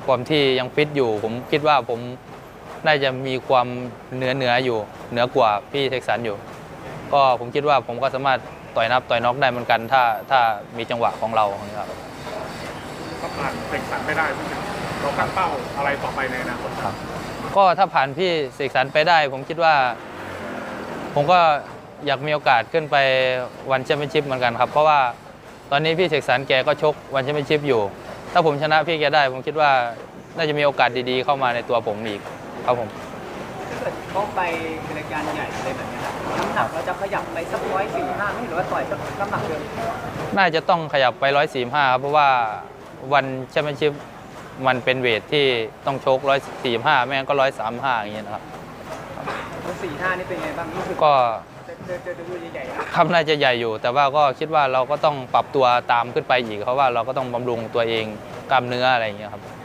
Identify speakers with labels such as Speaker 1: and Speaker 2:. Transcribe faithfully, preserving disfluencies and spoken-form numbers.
Speaker 1: ความที่ยังฟิตอยู่ผมคิดว่าผมน่าจะมีความเหนือเหนืออยู่เหนือกว่าพี่เท็กซันอยู่ก็ผมคิดว่าผมก็สามารถต่อยนับต่อยน็อกได้เหมือนกันถ้าถ้ามีจังหวะของเราครับ
Speaker 2: ก็ผ่านเท็กซันไม่ได้เราตั้งเป้าอะไรต่อไปในอนาคตครับ
Speaker 1: ก็ถ้าผ่านพี่เสกสรรไปได้ผมคิดว่าผมก็อยากมีโอกาสขึ้นไปวันแชมเปี้ยนชิพเหมือนกันครับเพราะว่าตอนนี้พี่เสกสรรแกก็ชกวันแชมเปี้ยนชิพอยู่ถ้าผมชนะพี่แกได้ผมคิดว่าน่าจะมีโอกาสดีๆเข้ามาในตัวผมอีกครับผม
Speaker 3: ถ้าเกิดเขาไปรายการใหญ่อะไรแบบนี้น้ำหนักเราจะขยับไปสักร้อยสี่ห้าไม่หรือว่าต่อยสักน้ำหนักเดิม
Speaker 1: น่าจะต้องขยับไปร้อยสี่ห้าครับเพราะว่าวันแชมเปี้ยนชิพมันเป็นเวทที่ต้องชกร้อยสี่ห้าไม่งั้นก็ร้อยสามห้าอย่างเงี้ยนะครับ
Speaker 3: ร้อยสี่ห้านี่เป็นไงบ้างนี่คือ
Speaker 1: ก็
Speaker 3: เดินเดินดูใหญ่ๆ
Speaker 1: ครับน่าจะใหญ่อยู่แต่ว่าก็คิดว่าเราก็ต้องปรับตัวตามขึ้นไปอีกเพราะว่าเราก็ต้องบำรุงตัวเองกล้ามเนื้ออะไรอย่างเงี้ยครับ